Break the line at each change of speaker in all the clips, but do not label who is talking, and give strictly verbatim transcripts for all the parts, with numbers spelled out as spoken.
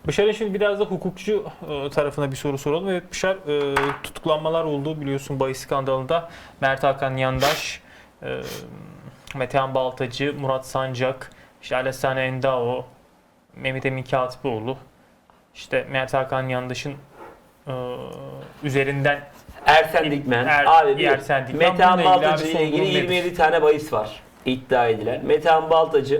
Bışar'ın şimdi biraz da hukukçu e, tarafına bir soru soralım. Evet Bışar, e, tutuklanmalar oldu biliyorsun bahis skandalında. Mert Hakan Yandaş, e, Metehan Baltacı, Murat Sancak, işte Alessane Endao, Mehmet Emin Katipoğlu, işte Mert Hakan Yandaş'ın e, üzerinden
Ersen Dikmen.
Er-
abi bir
Ersen Dikmen.
Metehan
Bununla ilgili
Baltacı
abi
ile
son
ilgili
durum
yirmi yedi
nedir?
tane bahis var iddia edilen. Metehan Baltacı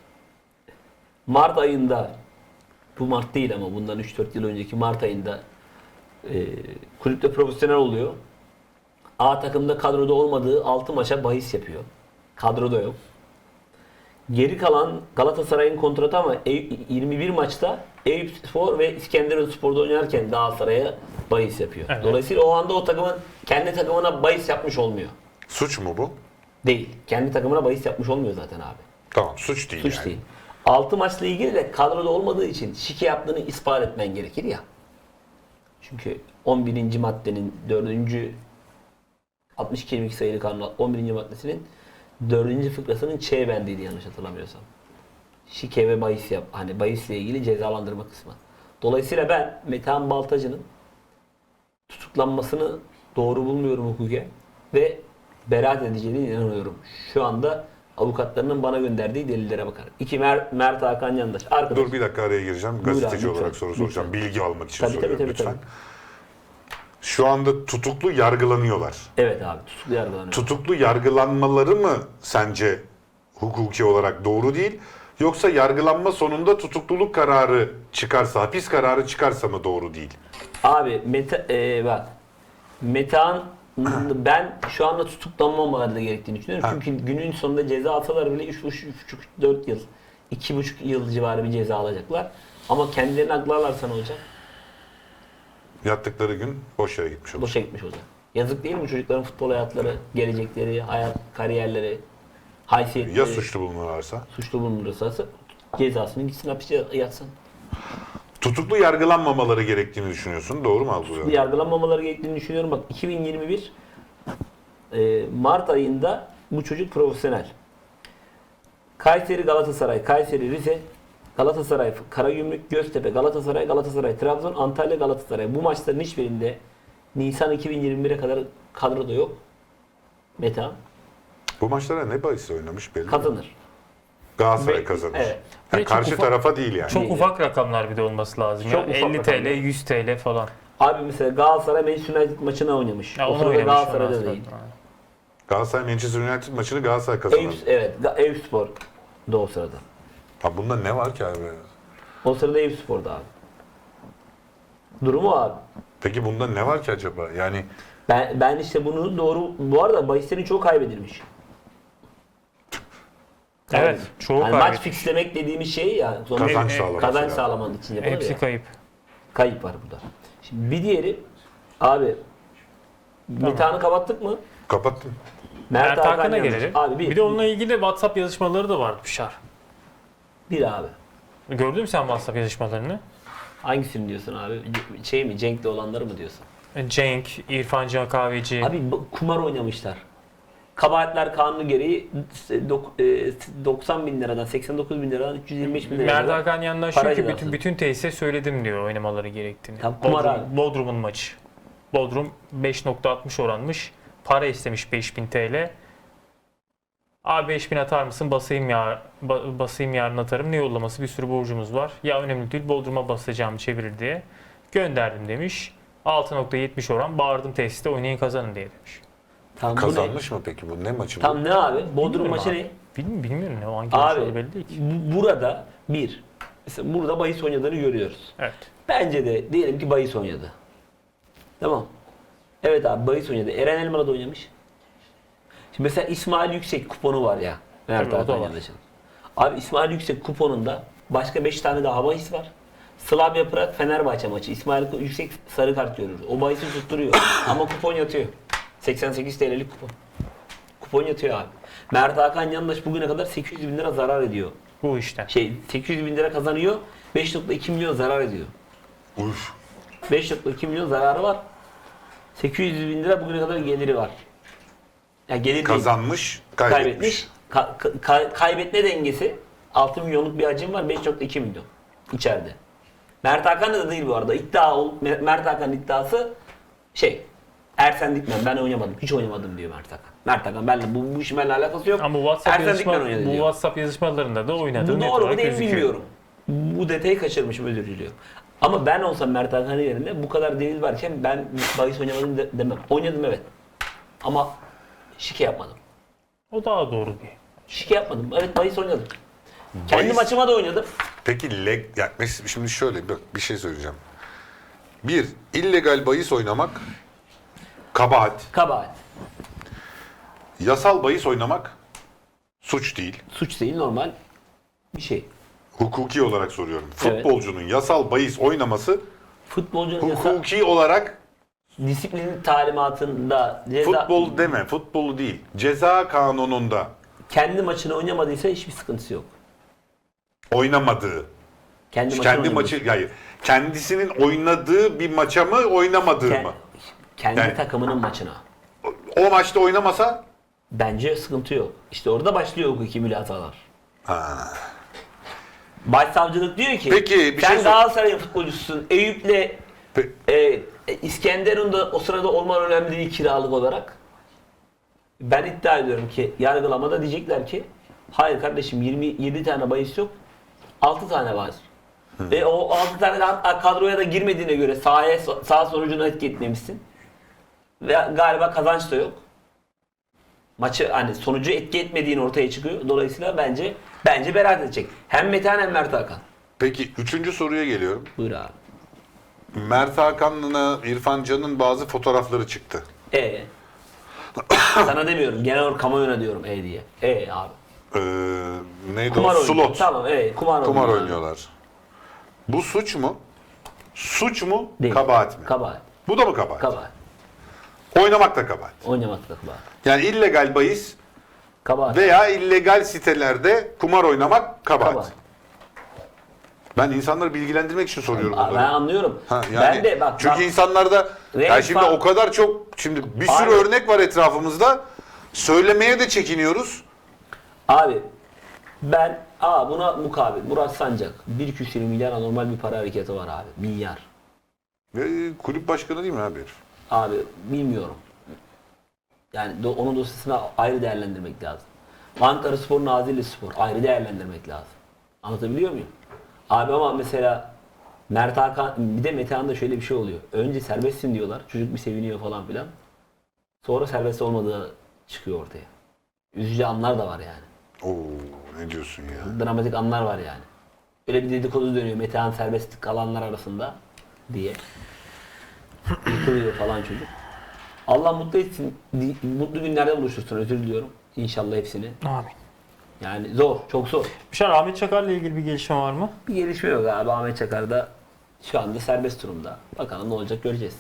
Mart ayında, bu Mart değil ama bundan üç dört yıl önceki Mart ayında e, kulüpte profesyonel oluyor. A takımda kadroda olmadığı altı maça bahis yapıyor. Kadroda yok. Geri kalan Galatasaray'ın kontratı ama yirmi bir maçta Eyüpspor ve İskenderunspor'da oynarken Galatasaray'a bahis yapıyor.
Evet.
Dolayısıyla o anda o takımın kendi takımına bahis yapmış olmuyor.
Suç mu bu?
Değil. Kendi takımına bahis yapmış olmuyor zaten abi.
Tamam, suç değil
Suç
yani.
değil. altı maçla ilgili de kadroda olmadığı için şike yaptığını ispat etmen gerekir ya. Çünkü on birinci maddenin dördüncü altmış iki yirmi iki sayılı kanun on birinci maddesinin dördüncü fıkrasının Ç bendiydi yanlış hatırlamıyorsam. Şike ve bahis yap. Hani bahisle ilgili cezalandırma kısmı. Dolayısıyla ben Metehan Baltacı'nın tutuklanmasını doğru bulmuyorum hukuken ve beraat edeceğine inanıyorum. Şu anda avukatlarının bana gönderdiği delillere bakarak. İki Mer Mert Hakan Yandaş. Arkadaş.
Dur bir dakika araya gireceğim.
Buyur
Gazeteci
abi, lütfen,
olarak soru soracağım.
lütfen.
Bilgi almak için
Tabii, tabii,
soruyorum
tabii,
lütfen.
tabii.
Şu anda tutuklu yargılanıyorlar.
Evet abi, tutuklu yargılanıyor.
Tutuklu yargılanmaları mı sence hukuki olarak doğru değil? Yoksa yargılanma sonunda tutukluluk kararı çıkarsa, hapis kararı çıkarsa mı doğru değil?
Abi Mete, e, bak Metehan ben şu anda tutuklanmamaları da gerektiğini düşünüyorum.
Ha.
Çünkü günün sonunda ceza alsalar bile üç buçuk dört yıl, iki buçuk yıl civarı bir ceza alacaklar. Ama kendilerini aklarlarsa ne olacak?
Yattıkları gün boş yere gitmiş olur.
Boşa gitmiş olacak. Yazık değil mi çocukların futbol hayatları, gelecekleri, hayat kariyerleri, haysiyetleri?
Ya suçlu bulunurlarsa?
Suçlu bulunursa cezasını gitsin hapiste yatsın.
Tutuklu yargılanmamaları gerektiğini düşünüyorsun. Doğru mu algılıyorum?
Yargılanmamaları gerektiğini düşünüyorum. Bak iki bin yirmi bir e, Mart ayında bu çocuk profesyonel. Kayseri Galatasaray, Kayseri Rize, Galatasaray Karagümrük, Göztepe, Galatasaray, Galatasaray Trabzon, Antalya Galatasaray. Bu maçların hiçbirinde Nisan iki bin yirmi bire kadar kadroda yok. Metehan
Bu maçlara ne bahis oynamış belli mi?
kazanır.
Galatasaray
Ve-
kazanır.
evet.
Yani
Ve çok
karşı
ufak-
tarafa değil yani.
Çok
Değil.
ufak rakamlar bir de olması lazım.
Çok
ya.
ufak
elli T L,
rakamlar.
yüz T L falan.
Abi mesela Galatasaray Manchester United maçını oynamış.
Ya
o
onu
sırada
oynamış
Galatasaray'da
ondan
değil.
sonra.
Galatasaray Manchester United maçını Galatasaray kazanır.
Eyüp, evet, Ga- Eyüpspor da o sırada.
Ha bunda ne var ki abi?
O sırada Eyüpspor'da abi. Durumu abi.
Peki bunda ne var ki acaba? Yani
Ben ben işte bunu doğru, bu arada bahislerin çoğu kaybedilmiş.
Evet, çoğu
yani maç
kaybetmiş.
fixlemek dediğimiz şey ya. Sonra
kazanç
e,
sağlaması
kazanç
lazım.
sağlamanın için yapılır
Hepsi
ya.
kayıp.
Kayıp var burada. Şimdi bir diğeri abi Metehan'ı kapattık mı?
Kapattım.
Mert Hakan'a
Yandaş.
gelelim.
Abi bir,
Bir de onunla ilgili WhatsApp yazışmaları da vardı Bışar.
bir abi.
Gördün mü sen WhatsApp yazışmalarını?
Hangisini diyorsun abi? C- Şey mi? Cenk'le olanları mı diyorsun?
Cenk, İrfan Can Kahveci.
Abi bu- kumar oynamışlar. Kabahatler kanunu gereği dok- e, doksan bin liradan seksen dokuz bin liradan üç yüz yirmi beş bin liradan.
Mert Hakan yanından
para
şu ki
cezası.
bütün, bütün tesise söyledim diyor oynamaları gerektiğini.
Tam kumar
Bodrum-
abi.
Bodrum'un maçı. Bodrum beş nokta altmış oranmış. Para istemiş beş bin T L. Abi beş bin atar mısın? Basayım ya ba- basayım yarın atarım. Ne yollaması? Bir sürü borcumuz var. Ya önemli değil. Bodrum'a basacağım çevirir diye. Gönderdim demiş. altı nokta yetmiş oran. Bağırdım tesiste oynayın kazanın diye demiş.
Tam bu ne?
Kazanmış mı peki bu? Ne maçı bu?
Tam ne abi? Bodrum
Bilmiyorum
maçı
abi.
ne?
Bilmiyorum, bilmiyorum ne o hangi maç
Abi
olduğu belli değil ki.
bu- burada bir. Mesela burada bahis oynadığını görüyoruz.
Evet.
Bence de diyelim ki bahis oynadı. Tamam. Evet abi bahis oynadı. Eren Elmalı da oynamış. Şimdi mesela İsmail Yüksek kuponu var ya. Mert
Tabii, o da
Hakan
var.
Yandaş'ın. Abi İsmail Yüksek kuponunda başka beş tane daha bahis var. Slavia Prag Fenerbahçe maçı. İsmail Yüksek sarı kart görür. O bahisi tutturuyor. Ama kupon yatıyor. seksen sekiz T L'lik kupon. Kupon yatıyor abi. Mert Hakan Yandaş bugüne kadar sekiz yüz bin lira zarar ediyor.
Bu işte.
Şey sekiz yüz bin lira kazanıyor. beş nokta iki milyon zarar ediyor.
Uf.
beş nokta iki milyon zararı var. sekiz yüz bin lira bugüne kadar geliri var. Ya gelir değil,
Kazanmış, kaybetmiş.
kaybetmiş. Ka- ka- kaybetme dengesi altı milyonluk bir hacim var. beş nokta iki milyon içeride. Mert Hakan da değil bu arada. İddia ol- Mert Hakan'ın iddiası şey Ersen Dikmen ben oynamadım. Hiç oynamadım diyor Mert Hakan. Mert Hakan benimle bu, bu işin benimle alakası yok.
Ama bu WhatsApp,
Ersen
yazışma,
Dikmen oynadı
bu
diyor.
WhatsApp yazışmalarında da oynadığı
Bu
net
doğru mu
olarak
değil mi
gözüküyor.
bilmiyorum. Bu detayı kaçırmışım, özür diliyorum. Ama ben olsam Mert Hakan'ın yerinde bu kadar delil varken ben bahis oynamadım de- demem. Oynadım evet. Ama şike yapmadım.
O daha doğru bir.
Şike yapmadım. Evet bahis oynadım. Kendi
Bahis-
maçıma da oynadım.
Peki leg, ya mes- şimdi şöyle bak bir şey söyleyeceğim. Bir, illegal bahis oynamak kabahat.
Kabahat.
Yasal bahis oynamak suç değil.
Suç değil, normal bir şey.
Hukuki olarak soruyorum.
Evet.
Futbolcunun yasal bahis oynaması
Futbolcunun yasa,
hukuki olarak
disiplin talimatında ceza,
futbol deme, futbolu değil. Ceza kanununda
kendi maçını oynamadıysa hiçbir sıkıntısı yok.
oynamadığı,
Kendi, maçını
kendi
oynamadıysa.
maçı, hayır, kendisinin oynadığı bir maça mı, oynamadığı
Ke-
mı?
kendi
Yani-
takımının maçına.
O maçta oynamasa,
Bence sıkıntı yok. İşte orada başlıyor hukuki mülatalar.
ha.
Başsavcılık diyor ki
Peki, bir
sen
şey sor-
Galatasaray'ın futbolcususun. Eyüp'le
Pe-
e, e, İskenderun da o sırada olman önemli değil kiralık olarak. Ben iddia ediyorum ki yargılamada diyecekler ki hayır kardeşim yirmi yedi tane bahis yok. altı tane var. Ve o altı tane de hatta kadroya da girmediğine göre sahaya sağ sonucunu etki etmemişsin. Ve galiba kazanç da yok. Maçı hani sonucu etki etmediğin ortaya çıkıyor. Dolayısıyla bence bence beraat edecek. Hem Metehan hem Mert Hakan.
Peki üçüncü soruya geliyorum.
Buyur abi.
Mert Hakan'la İrfan Can'ın bazı fotoğrafları çıktı.
E. Sana demiyorum. Genel olarak kamuoyuna diyorum e diye. E abi.
Ee, neydi
Kumar
o?
oynuyor.
Slot.
Tamam evet kumar,
Kumar
oynuyor.
oynuyorlar. Bu suç mu? Suç mu?
Değil.
Kabahat mi?
Kabahat.
Bu da mı kabahat?
Kabahat.
Oynamak da kabahat.
Oynamak da kabahat.
Yani illegal bahis
Kabahat.
veya illegal sitelerde kumar oynamak kabahat.
Kabahat.
Ben insanları bilgilendirmek için soruyorum
Aa,
bunları.
ben anlıyorum.
Ha, yani
ben de bak.
çünkü
bak,
insanlarda
Renk
ya şimdi
fa-
o kadar çok şimdi bir sürü
Abi-
örnek var etrafımızda. Söylemeye de çekiniyoruz.
Abi ben aa buna mukabil Murat Sancak bir küsür milyar anormal bir para hareketi var abi. Milyar.
Ve kulüp başkanı değil mi abi herif?
Abi bilmiyorum. Yani do- onun dosyasını ayrı değerlendirmek lazım. Ankara Spor, Nazilli Spor ayrı değerlendirmek lazım. Anlatabiliyor muyum? Abi ama mesela Mert Hakan, bir de Metehan'da şöyle bir şey oluyor. Önce serbestsin diyorlar. Çocuk bir seviniyor falan filan. Sonra serbest olmadığı çıkıyor ortaya. Üzücü anlar da var yani.
Oo ne diyorsun ya?
Dramatik anlar var yani. Öyle bir dedikodu dönüyor Metehan serbest kalanlar arasında diye. Yıkılıyor falan çocuk. Allah mutlu etsin. di- Mutlu günlerde buluştursun. Özür diliyorum. İnşallah hepsini.
Amin.
Yani zor. Çok zor.
Bişar, Ahmet Çakar'la ilgili bir gelişme var mı?
Bir gelişme yok abi. Ahmet Çakar da şu anda serbest durumda. Bakalım ne olacak göreceğiz.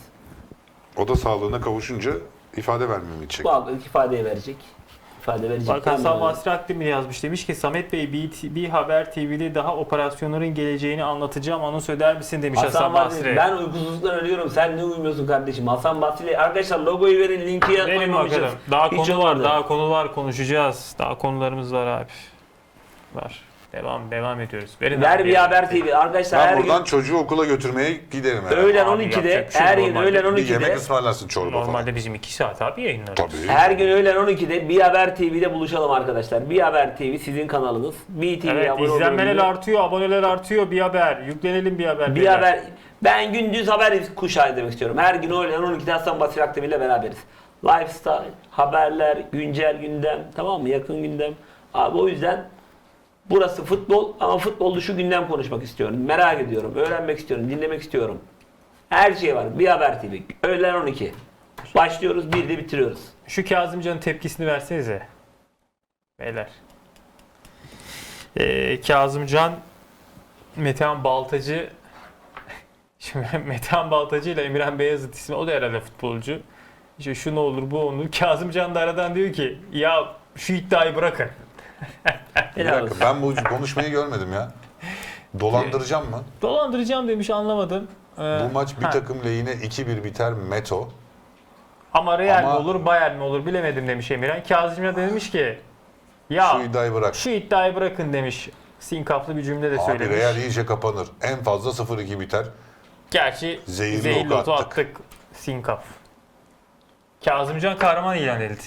O da sağlığına kavuşunca ifade vermemi gidecek.
Bu hafta ifadeyi verecek. İfade verecek.
Bak Hasan
Tamam.
Basri Akdemir yazmış. Demiş ki Samet Bey bir, bir Haber T V'de daha operasyonların geleceğini anlatacağım. Anons eder misin demiş Hasan,
Hasan
Basri.
Basri. Ben uykusuzluktan ölüyorum. Sen ne uyumuyorsun kardeşim? Hasan Basri. Arkadaşlar logoyu verin. Linki
Verin
koymamışız.
bakalım. Daha
Hiç
konu var,
olmadı.
daha konu var, konuşacağız. Daha konularımız var abi. Var. Devam, devam ediyoruz. Verin
Ver
abi,
bir
verin.
Haber T V. Arkadaşlar her
Ben buradan
gün
çocuğu okula götürmeye giderim herhalde.
öğlen
Abi
on ikide
yapacak bir şey
her
yok.
gün
Normalde
öğlen
Bir yemek
on ikide
ısmarlarsın çorba
Normalde
falan.
bizim iki saat abi yayınlarız.
Tabii.
her gün öğlen on ikide Bir Haber T V'de buluşalım arkadaşlar. Bir Haber T V sizin kanalınız. B T V'ye
Evet,
abone olmayı
izlenmeler
unutmayın.
artıyor, aboneler artıyor. Bir haber. Yüklenelim bir haber.
Bir
beyler.
haber. Ben gündüz haber kuşağı demek istiyorum. Her gün öğlen on ikide Hasan Basri Akdemir ile beraberiz. Lifestyle, haberler, güncel gündem, tamam mı? Yakın gündem. Abi o yüzden burası futbol ama futbol dışı gündem konuşmak istiyorum. Merak ediyorum, öğrenmek istiyorum, dinlemek istiyorum. Her şey var. Bir Haber T V. Öğlen on iki. Başlıyoruz, bir de bitiriyoruz.
Şu Kazımcan'ın tepkisini versenize. Beyler. Ee, Kazımcan Metehan Baltacı Şimdi Metehan Baltacı ile Emirhan Beyazıt ismi, o da herhalde futbolcu. İşte şu ne olur bu olur. Kazımcan da aradan diyor ki ya şu iddiayı bırakın.
Bir
Helal
dakika,
olsun.
ben bu konuşmayı görmedim ya. Dolandıracağım mı?
Dolandıracağım demiş, anlamadım. Ee,
Bu maç bir
ha.
takım lehine iki bir biter Meto.
Ama Real
Ama-
mi olur Bayern mi olur bilemedim demiş Emirhan. Kazımcan da demiş ki ya
Şu iddiayı bırak.
şu iddiayı bırakın demiş. Sinkaflı bir cümle de
Abi
söylemiş.
Real iyice kapanır. En fazla sıfır iki biter.
Gerçi
Zehirli
zehirli
oku
otu
attık.
attık. Sinkaf. Kazımcan kahraman ilan edildi.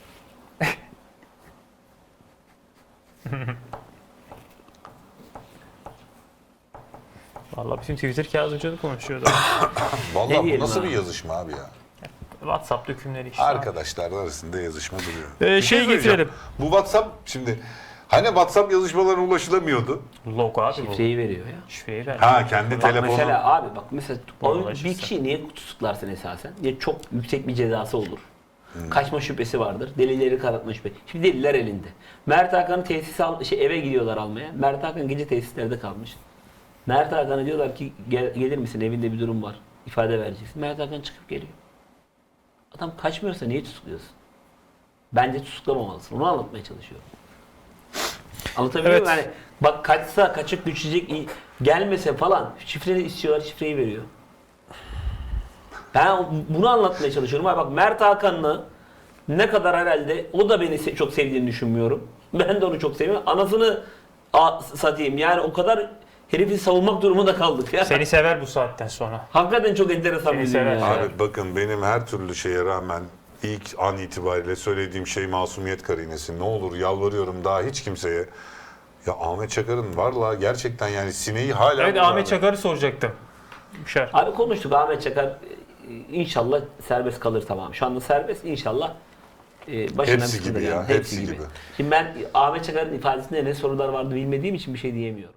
Vallahi bütün Twitter Kazımcan'ı konuşuyordu.
Vallahi bu
diyelim
nasıl
abi?
bir yazışma abi ya?
WhatsApp dökümleri işte.
Arkadaşlar arasında yazışma duruyor.
Ee,
Bir şey
şey
söyleyeceğim.
getirelim.
Bu WhatsApp şimdi hani WhatsApp yazışmalarına ulaşılamıyordu.
Logo abi bu.
Şifreyi veriyor ya.
Şifreyi ver.
Ha kendi
Bak
telefonu.
mesela abi bak mesela
Vallahi
bir
şifre.
kişiyi niye tutuklarsın esasen? Ya çok yüksek bir cezası olur. Kaçma şüphesi vardır. Delilleri karartma şüphesi. Şimdi deliller elinde. Mert Hakan'ı tesis al, şey, eve gidiyorlar almaya. Mert Hakan gece tesislerde kalmış. Mert Hakan'a diyorlar ki Gel, gelir misin evinde bir durum var. İfade vereceksin. Mert Hakan çıkıp geliyor. Adam kaçmıyorsa niye tutukluyorsun? Bence tutuklamamalısın. Onu anlatmaya çalışıyorum. Anlatabiliyor
Evet.
muyum? Yani bak kaçsa kaçıp düşecek i- gelmese falan şifreni istiyorlar, şifreyi veriyor. Ben bunu anlatmaya çalışıyorum. Abi bak Mert Hakan'la ne kadar herhalde o da beni se- çok sevdiğini düşünmüyorum. Ben de onu çok seviyorum. Anasını a- satayım. Yani o kadar herifi savunmak durumunda kaldık ya.
Seni sever bu saatten sonra.
Hakikaten çok enteresan
Seni
bir
sever.
dünya. ya.
Abi bakın benim her türlü şeye rağmen ilk an itibariyle söylediğim şey masumiyet karinesi. Ne olur yalvarıyorum daha hiç kimseye. Ya Ahmet Çakar'ın varla gerçekten yani sineği hala...
Evet
bu
Ahmet
abi.
Çakar'ı soracaktım. Büşer.
Abi konuştuk Ahmet Çakar e, inşallah serbest kalır tamam. Şu anda serbest inşallah e, başından
Hepsi
bir sıkıntı
gibi ya,
gelmez.
hepsi gibi.
Şimdi ben Ahmet Çakar'ın ifadesinde ne sorular vardı bilmediğim için bir şey diyemiyorum.